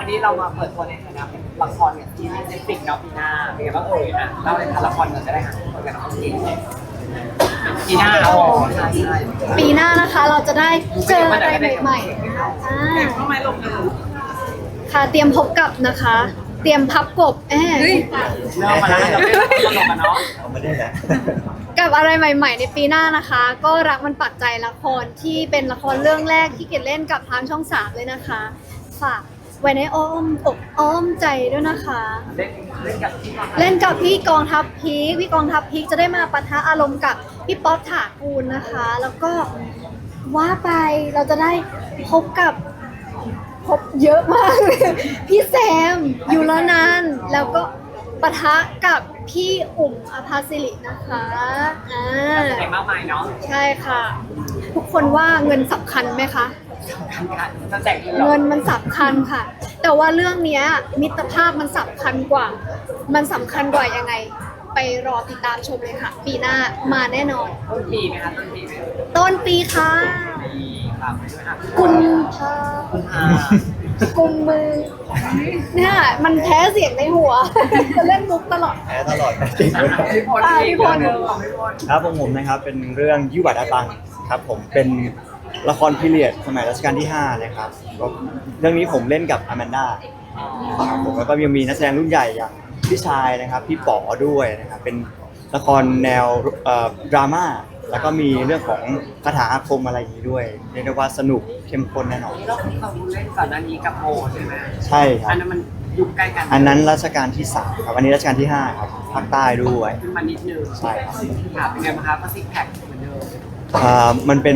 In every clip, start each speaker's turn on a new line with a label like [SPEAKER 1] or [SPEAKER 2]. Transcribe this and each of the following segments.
[SPEAKER 1] นี้เรามาเปิดตัวในฐานะเป็นละครกับทีมเซนฟิกเนาะปีหน้าเป็นไงบ้างอ่ะเล่าในฐานะละครกันจะได้ค่ะคนกันน้องทีมปีหน้าใช่ใช่
[SPEAKER 2] ปีหน้านะคะเราจะได้เจออะไรใหม่ๆ
[SPEAKER 1] ทำไมลงเลย
[SPEAKER 2] ค่ะเตรียมพบกับนะคะ เตรียมพับกบ
[SPEAKER 1] เริ่มมาแล้วเราไม่ตลกกันเนาะ
[SPEAKER 3] ไม่ได้แหละ
[SPEAKER 2] กับอะไรใหม่ ๆ ในปีหน้านะคะ ก็รักมันปักใจละครที่เป็นละครเรื่องแรกที่เกดเล่นกับทางช่อง3เลยนะคะฝากไว้ในอ้อมอกอ้อมใจด้วยนะคะเล่นกับพี่กองทัพพีคพี่กองทัพพีคจะได้มาปะทะอารมณ์กับพี่ป๊อปถากูลนะคะ แล้วก็ว่าไปเราจะได้พบเยอะมากเลยพี่แซมยูรนันท์แล้วก็ปะทะกับพี่อุ่มอภาสิรินะคะ
[SPEAKER 1] แสดงมากมายเนาะ
[SPEAKER 2] ใช่ค่ะทุกคนว่าเงินสำคัญไหมคะเงินมันสำคัญค่ะแต่ว่าเรื่องนี้มิตรภาพมันสำคัญกว่ายังไงไปรอติดตามชมเลยค่ะปีหน้ามาแน่นอน
[SPEAKER 1] ต้นปีไหมคะ
[SPEAKER 2] ต้นปีค่ะกุมภากุมมือเนี่ยมันแพ้เสียงในหัวจะเล่นมุกตลอด
[SPEAKER 3] แพ้ตลอดจริง
[SPEAKER 1] พี่พล
[SPEAKER 3] ครับผมนะครับเป็นเรื่องยี่หวัดอาตังครับผมเป็นละครพีเรียดสมัยรัชกาลที่5นะครับก็เรื่องนี้ผมเล่นกับอแมนด้าครับผมแล้วก็ยังมีนักแสดงรุ่นใหญ่อย่างพี่ชายนะครับพี่ป๋อด้วยนะครับเป็นละครแนวดราม่าแล้วก็มีเรื่องของคาถาอาคมอะไรอย่างนี้ด้วยเรียกได้ว่าสนุกเข้มข้นแน่นอน
[SPEAKER 1] เราเล่นก่อนหน้านี้กับโมใช่ไหม
[SPEAKER 3] ใช่ครับ
[SPEAKER 1] อันนั้นมันยุคใกล้กัน
[SPEAKER 3] อันนั้นรัชกาลที่3ครับอันนี้รัชกาลที่5ครับภาคใต้ด้วย
[SPEAKER 1] ขึ้นมานิดนึง
[SPEAKER 3] ใช่ครับ
[SPEAKER 1] เป็นไงบ้างครับก็ซิกแพคเหมือนเดิม
[SPEAKER 3] มันเป็น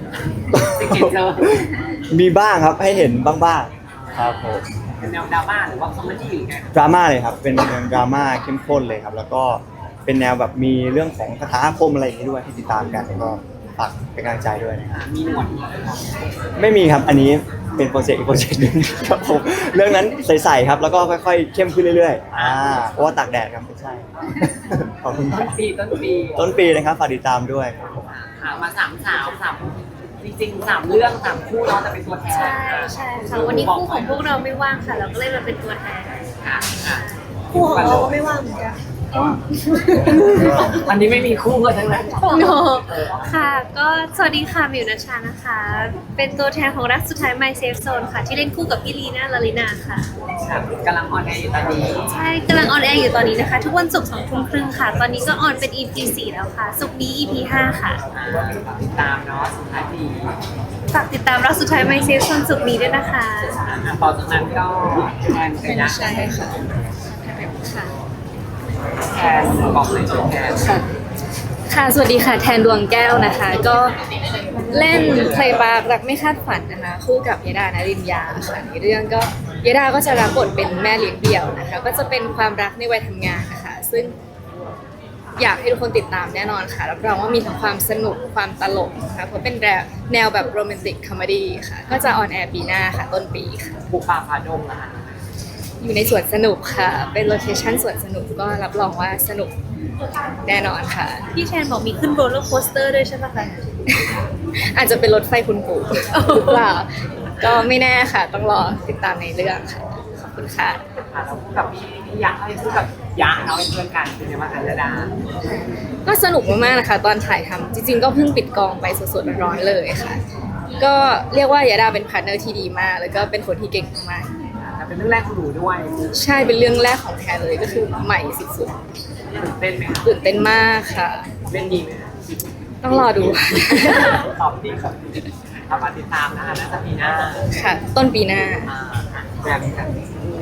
[SPEAKER 3] มีบ้างครับให้เห็นบ้างครับผม
[SPEAKER 1] เป็นแนวดราม่าหรือว่าคอมเมดี้หรือไง
[SPEAKER 3] ดราม่าเลยครับเป็นแนวดราม่าเข้มข้นเลยครับแล้วก็เป็นแนวแบบมีเรื่องของคาถาอาคมอะไรอย่างนี้ด้วยที่ติดตามกันแล้วก็ฝากเป็นกำลังใจด้วยนะครับ
[SPEAKER 1] มีหนวด
[SPEAKER 3] ไม่มีครับอันนี้เป็นโปรเจกต์อีกโปรเจกต์นึงครับผมเรื่องนั้นใสๆครับแล้วก็ค่อยๆเข้มขึ้นเรื่อยๆเพราะว่าตากแดดครับไม่ใช่ขอบคุณครับต้นปีนะครับฝากติดตามด้วยครับผม
[SPEAKER 1] มา3 สาวจริงๆ3 เรื่อง3 คู่เนาะแต่เป็นตัวแทน
[SPEAKER 2] ใช่ค่ะวันนี้คู่ของพวกเราไม่ว่างค่ะเราก็เลยมาเป็นตัวแทนคู่ของเราไม่ว่างเหมือนกัน
[SPEAKER 1] อันนี้ไม่มีคู่กันทั้งนั้น
[SPEAKER 2] ค่ะก็สวัสดีค่ะมิวนัชชานะคะเป็นตัวแทนของรักสุดท้าย My Safe Zone ค่ะที่เล่นคู่กับพี่ลีน่าลาลินาค่ะ
[SPEAKER 1] กำลังออนแอร์อยู่ตอนนี้
[SPEAKER 2] ใช่กำลังออนแอร์อยู่ตอนนี้นะคะทุกวันศุกร์20:30ค่ะตอนนี้ก็ออนเป็น EP 4แล้วค่ะศุกร์นี้ EP 5ค่ะ
[SPEAKER 1] ติดตามเนาะสุดท้ายปี
[SPEAKER 2] ฝากติดตามรักสุดท้าย My Safe Zone ศุกร์นี้ด้วยนะคะ
[SPEAKER 1] ต่อจากนั้นก็แทนไปนะ
[SPEAKER 2] ใช่ค่ะ
[SPEAKER 1] แทนบอกเลยแทน
[SPEAKER 4] ค่ะสวัสดีค่ะแทนดวงแก้วนะคะก็เล่นเพลย์บาร์รักไม่คาดฝันนะคะคู่กับยดานรินยาค่ะในเรื่องก็ยดาก็จะรับบทเป็นแม่เลี้ยงเดี่ยวนะคะก็จะเป็นความรักในวัยทำงานนะคะซึ่งอยากให้ทุกคนติดตามแน่นอนค่ะรับรองว่ามีทั้งความสนุกความตลกนะคะเพราะเป็นแนวแบบโรแมนติกคอมเมดี้ค่ะก็จะออนแอร์ปีหน้าค่ะต้นปีค่ะ
[SPEAKER 1] บุกป่าฝ่าดงนะคะ
[SPEAKER 4] อยู่ในสวนสนุกค่ะเป็นโลเคชั่นสวนสนุกก็รับรองว่าสนุกแน่นอนค่ะ
[SPEAKER 2] พี่แทนบอกมีขึ้นโรลเลอร์โคสเตอร์ด้วยใช่ไหมคะ
[SPEAKER 4] อาจจะเป็นรถไฟคุณปู่หรือเปล่าก็ไม่แน่ค่ะต้องรอติดตามในเรื่องค่ะขอบคุณค่ะ
[SPEAKER 1] เราพูดกับพี่ยะพูดกับยะเราเป็นเพื่อนกันเป็นยังไงบ้างคะยดา
[SPEAKER 4] ก็สนุกมากๆนะคะตอนถ่ายทำจริงๆก็เพิ่งปิดกองไปสดๆร้อนๆเลยค่ะก็เรียกว่ายดาเป็นพาร์ทเนอร์ที่ดีมากแล้วก็เป็นคนที่เก่งมาก
[SPEAKER 1] เป็นเรื่องแรกของหนูด้วย
[SPEAKER 4] ใช่เป็นเรื่องแรกของแทนเลยก็คือใหม่สุด
[SPEAKER 1] ๆตื่นเต้นไหม
[SPEAKER 4] ตื่นเต้นมากค่ะ
[SPEAKER 1] เล่นดีไหม
[SPEAKER 4] ต้องรอดู
[SPEAKER 1] ตอบดีครับเอามาติดตามนะคะน่าจะปีหน้า
[SPEAKER 4] ค่ะต้นปีหน้า
[SPEAKER 1] แบบนี้กัน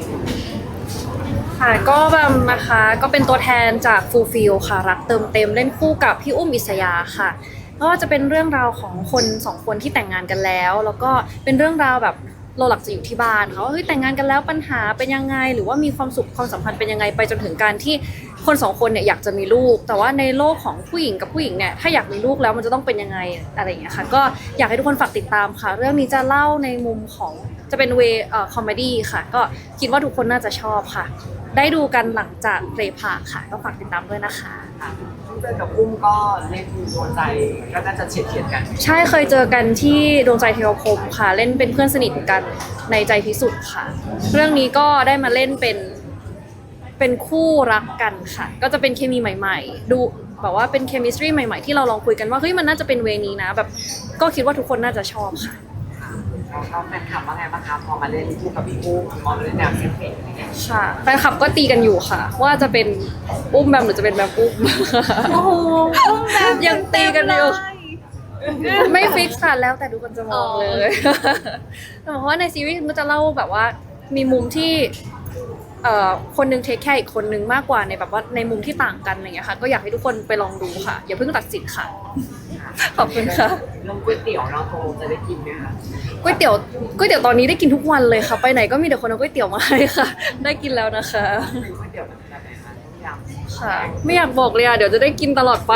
[SPEAKER 5] ค่ะก็แบบนะคะก็เป็นตัวแทนจาก Fulfill ค่ะรักเติมเต็มเล่นคู่กับพี่อุ้มอิสยาค่ะก็จะเป็นเรื่องราวของคน2 คนที่แต่งงานกันแล้วก็เป็นเรื่องราวแบบเราหลักจะอยู่ที่บ้านเขาเฮ้ยแต่งงานกันแล้วปัญหาเป็นยังไงหรือว่ามีความสุขความสัมพันธ์เป็นยังไงไปจนถึงการที่คน2 คนเนี่ยอยากจะมีลูกแต่ว่าในโลกของผู้หญิงกับผู้หญิงเนี่ยถ้าอยากมีลูกแล้วมันจะต้องเป็นยังไงอะไรอย่างเงี้ยค่ะก็อยากให้ทุกคนฝากติดตามค่ะเรื่องนี้จะเล่าในมุมของจะเป็นเวคอมเมดี้ค่ะก็คิดว่าทุกคนน่าจะชอบค่ะได้ดูกันหลังจากเพลย์พาร์คค่ะก็ฝากติดตามด้วยนะคะ
[SPEAKER 1] เจอกับอุ้มก็เล่นโดนใจก็น่าจะเฉียดกัน
[SPEAKER 5] ใช่เคยเจอกันที่ดวงใจเทวคมค่ะ เล่นเป็นเพื่อนสนิทกันในใจพิสุทธิ์ค่ะ เรื่องนี้ก็ได้มาเล่นเป็นคู่รักกันค่ะ ก็จะเป็นเคมีใหม่ๆ ดูแบบว่าเป็นเคมิสตรีใหม่ๆที่เราลองคุยกันว่าเฮ้ยมันน่าจะเป็นเวนี้นะแบบก็คิดว่าทุกคนน่าจะชอบค่ะ
[SPEAKER 1] แล้วก็แฟนคลับว่าไงบ้างคะพอมาเล่นคู่กับพี่อุ้มมองเล่นแนวเซ็กซี่อะไรเงี้ย
[SPEAKER 5] ค่ะแฟนคลับก็ตีกันอยู่ค่ะ ว่าจะเป็นอุ้มแบมหรือจะเป็นแบมอุ้ม
[SPEAKER 2] โอ้โหแบบ
[SPEAKER 5] ยังตีกันอยู่ ไม่ฟิกค่ะแล้วแต่ดูคนจะมองเลย แต่เพราะว่าในซีรีส์มันจะเล่าแบบว่ามีมุมที่คนหนึงเทคแค่อีกคนนึงมากกว่าในแบบว่าในมุมที่ต่างกันอะไรอย่างเงี้ยค่ะ ก็อยากให้ทุกคนไปลองดูค่ะ อย่าเพิ่งตัดสินค่ะ ขอบคุณค่ะ
[SPEAKER 1] เรื่องก๋วยเตี๋ยวเราโตจะได้กินไหมคะ
[SPEAKER 5] ก๋วยเตี๋ยวตอนนี้ได้กินทุกวันเลยค่ะ ไปไหนก็มีแต่คนเอาก๋วยเตี๋ยวมาให้ค่ะ ได้กินแล้วนะคะ
[SPEAKER 1] เป็นก๋วยเตี๋ยวแบบไหนคะต้มยำ
[SPEAKER 5] ค่ะ ไม่อยากบอกเลยอ่ะเดี๋ยวจะได้กินตลอดไป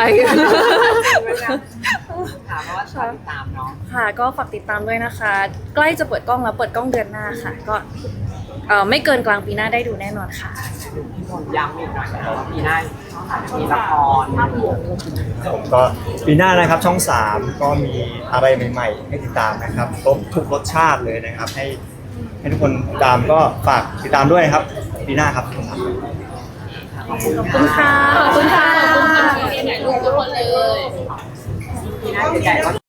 [SPEAKER 1] ถามว่าชอบติดตามเนาะ
[SPEAKER 5] ค่ะก็ฝากติดตามด้วยนะคะ ใกล้จะเปิดกล้องแล้วเปิดกล้องเดือนหน้าค่ะ ก็ไม่เกินกลางปีหน้าได้ดูแน่นอนค่ะ
[SPEAKER 1] พี่มนต์ย้ำอีกหน่อยนะคะว่าปีหน้ามีละคร
[SPEAKER 3] ผมก็ปีหน้านะครับช่อง 3 ก็มีอะไรใหม่ๆให้ติดตามนะครับครบทุกรสชาติเลยนะครับ ให้ทุกคนติดตามก็ฝากติดตามด้วยนะครับปีหน้าครับช่อง 3
[SPEAKER 1] ขอบคุณค่ะ
[SPEAKER 5] ขอบคุณค่ะ
[SPEAKER 1] ปีหน้าใหญ่ๆก็